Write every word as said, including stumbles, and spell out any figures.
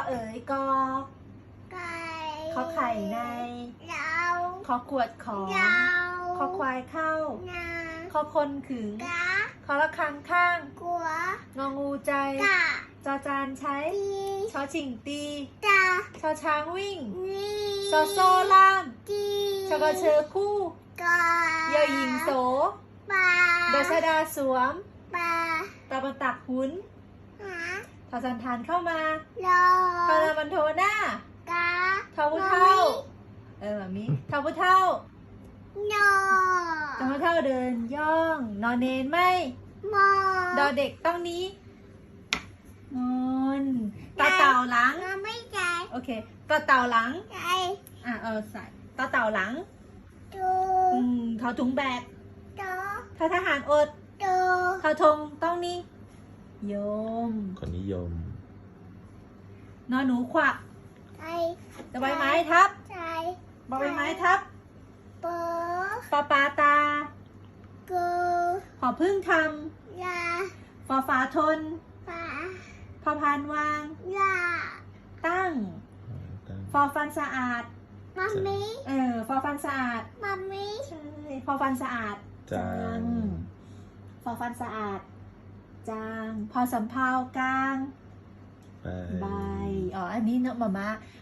เอ๋ยกอไก่ขอไข่ในเราขอกวดของเราขอควายเข้านาขอคนขึงกาขอระฆังข้างกัวงองูใจกะจอจานใช้ตีชอชิงตีตาชอช้างวิ่งนี่ซอโซ่ล่ามจีชอกระเชอคู่กายอหญิงโสปลาดาชดาสวมปลาตาบันตักหุนหาทอจันทานเข้ามาโลทอรามันโทหน้ากาทอผู้เท่า เออแบบนี้ทอผู้เท่าโนทอผู้เท่าเดินย่อง นอนเนนไม่โมดอเด็กต้องนี้นอนต่อเต่าหลังเราไม่ใจโอเคต่อเต่าหลังใจอ่ะเออใส่ต่อเต่าหลังตูอืมทอถุงแบกโตทอทหารอดตูทอธงต้องนี้โยมคนนิยมนอนหนูขวักใจจะใบไม้ทับใจบอใบไม้ทับเปอปอปาตากูหอพึ่งทยาำฟอฝาทนปาพอพานวางยาตั้ง ฟอฟันสะอาดมัมมี่เออ ฟอฟันสะอาดมัมมี่ใช่ ฟอฟันสะอาดจางฟอฟันสะอาด จาง พอสำเภากลางไปใบ อ๋อ อันนี้เนอะมามา